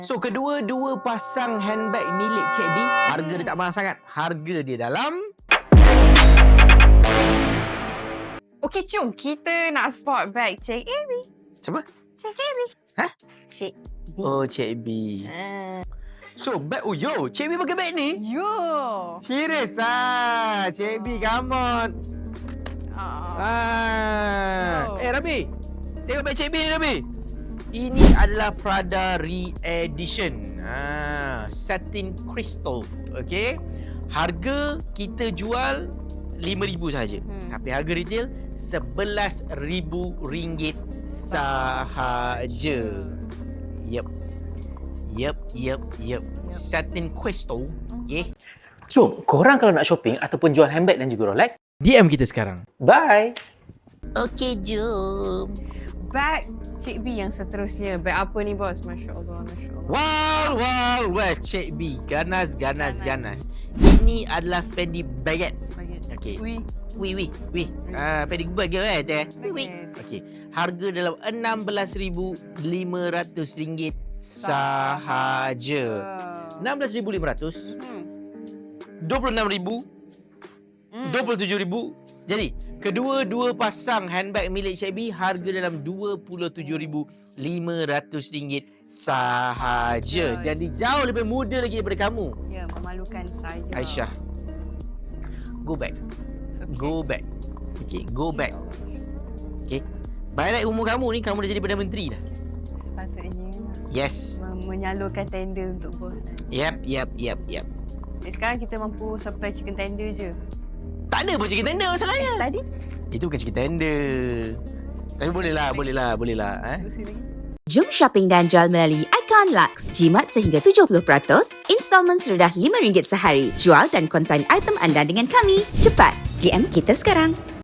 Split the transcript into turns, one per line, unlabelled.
So, kedua-dua pasang handbag milik Cik B, harga dia tak mahal sangat. Harga dia dalam...
Okey, jom kita nak spot bag Cik AB.
Siapa?
Cik AB.
Hah?
Cik B.
Oh, Cik B. So, bag... Oh, yo, Cik B pakai bag ni?
Yo.
Serius ah, Cik B, come on. Rabi. Tengok bag Cik B ni, Rabi. Ini adalah Prada Re-Edition. Satin Crystal. Okay. Harga kita jual RM5,000 sahaja. Tapi harga retail RM11,000 sahaja. Yep. Satin Crystal. Yeah.
So, korang kalau nak shopping ataupun jual handbag dan juga Rolex,
DM kita sekarang.
bye!
Okay, jom.
Bag Cik B yang seterusnya. Bag apa ni, bos? Masya Allah, Masya Allah.
Wow, West Cik B. Ganas. Ini adalah Fendi Baguette. Okay.
Ui.
Fendi Baguette
Baguette.
Okay. Harga dalam RM16,500 sahaja. RM16,500. RM26,000. RM27,000. Jadi, kedua-dua pasang handbag milik Cik B harga dalam RM27,500 sahaja. Jadi jauh lebih muda lagi daripada kamu.
Ya, memalukan saja.
Aisyah. Go back. Okay, go back. Okay. By right umur kamu ni, kamu dah jadi Perdana Menteri dah.
Sepatutnya
Yes.
menyalurkan tender untuk bos.
Yep.
Sekarang kita mampu supply chicken tender je.
Tak ada pun chicken tender masalahnya.
Tadi?
Itu bukan chicken tender. Tapi boleh lah.
Terus lagi.
Jom shopping dan jual melalui Icon Lux. Jimat sehingga 70%, installmen serendah RM5 sehari. Jual dan konsign item anda dengan kami. Cepat, DM kita sekarang.